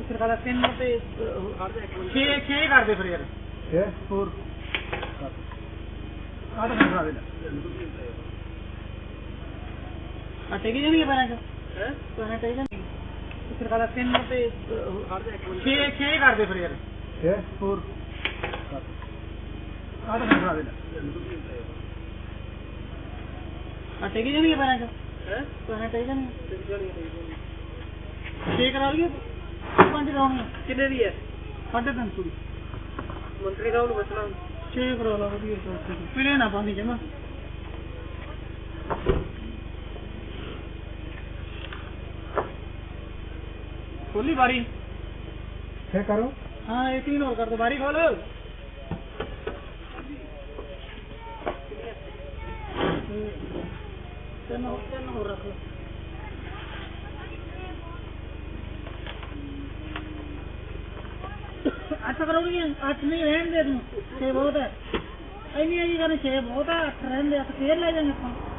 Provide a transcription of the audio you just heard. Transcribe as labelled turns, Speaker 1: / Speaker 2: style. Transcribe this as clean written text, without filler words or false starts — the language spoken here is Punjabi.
Speaker 1: ਸਰਕਾਰਾ 3 ਤੇ 6 ਕਰ ਦੇ ਫਿਰ ਯਾਰ
Speaker 2: 6
Speaker 1: ਹੋਰ ਆ ਤਾਂ ਖਾ ਦੇ ਆ ਟੇਕੀ ਜਾਣੀ ਹੈ ਪੈਰਾਂ ਚ ਪੈਰਾਂ ਟੇਕੀ ਜਾਣੀ ਸਰਕਾਰਾ 3 ਤੇ 6 ਕਰ ਦੇ ਫਿਰ ਯਾਰ
Speaker 2: 6
Speaker 1: ਹੋਰ ਆ ਤਾਂ ਖਾ ਦੇ ਆ ਟੇਕੀ ਜਾਣੀ ਹੈ ਪੈਰਾਂ ਚ ਪੈਰਾਂ ਟੇਕੀ ਜਾਣੀ 6 ਕਰਾ ਲਈਏ 5 ਕਰਾਉਣੀ ਕਿੰਨੇ ਦੀ ਹੈ 350 ਦੀ ਮੰਤਰੀ ਸਾਹਿਬ ਨੂੰ ਬਚਣਾ 6 ਕਰਾ ਲਾ ਵਧੀਆ ਫਿਰ ਨਾ ਪਾਣੀ ਜਮਾ ਖੋਲੀ ਬਾਰੀ
Speaker 2: 6 करो
Speaker 1: हाँ एक 3 और कर दो बारी खोल तीन और रख लो अच्छा करोगे 8 नहीं रहने दे तुम 6 बहुत है नहीं करने 6 बहुत है 8 रहने दे फिर ले जाएंगे